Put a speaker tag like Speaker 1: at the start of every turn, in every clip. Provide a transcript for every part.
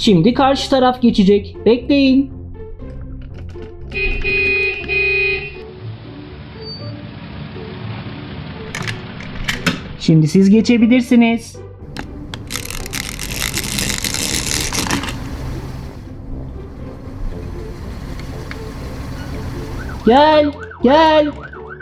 Speaker 1: Şimdi karşı taraf geçecek. Bekleyin. Şimdi siz geçebilirsiniz. Gel, gel.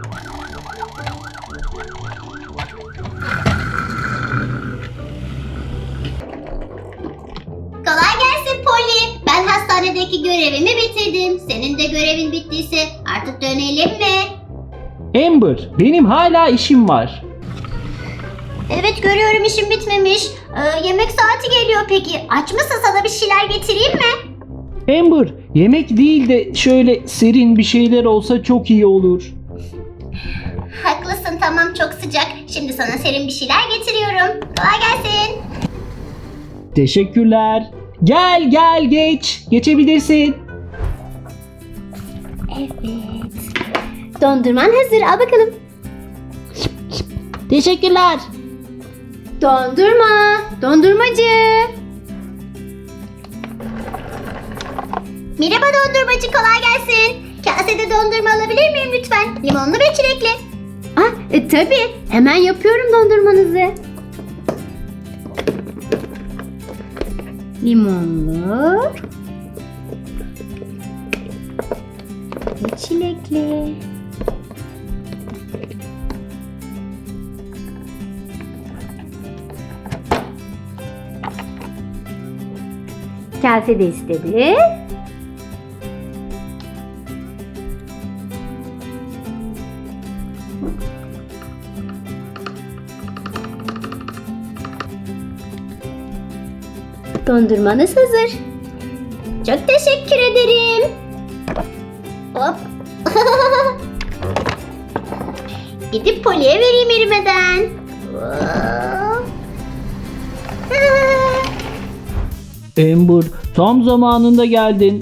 Speaker 2: Kolay gelsin Polly. Ben hastanedeki görevimi bitirdim. Senin de görevin bittiyse artık dönelim mi?
Speaker 1: Amber, benim hala işim var.
Speaker 2: Evet, görüyorum işim bitmemiş. Yemek saati geliyor peki. Aç mısın, sana bir şeyler getireyim mi?
Speaker 1: Amber, yemek değil de şöyle serin bir şeyler olsa çok iyi olur.
Speaker 2: Haklısın, tamam, çok sıcak. Şimdi sana serin bir şeyler getiriyorum. Kolay gelsin.
Speaker 1: Teşekkürler. Gel gel geç. Geçebilirsin.
Speaker 2: Evet. Dondurman hazır, al bakalım.
Speaker 1: Teşekkürler.
Speaker 2: Dondurma, dondurmacı. Merhaba dondurmacı, kolay gelsin. Kasede dondurma alabilir miyim lütfen? Limonlu ve çilekli. Tabii, hemen yapıyorum dondurmanızı. Limonlu ve çilekli. Kase de istedi. Dondurmanız hazır. Çok teşekkür ederim. Hop. Gidip Polly'e vereyim erimeden.
Speaker 1: Amber, tam zamanında geldin.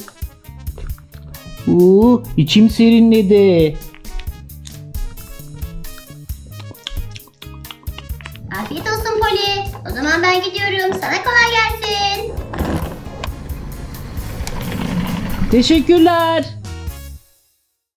Speaker 1: İçim serinledi.
Speaker 2: Afiyet olsun Polly. O zaman ben gidiyorum. Sana kolay gelsin.
Speaker 1: Teşekkürler.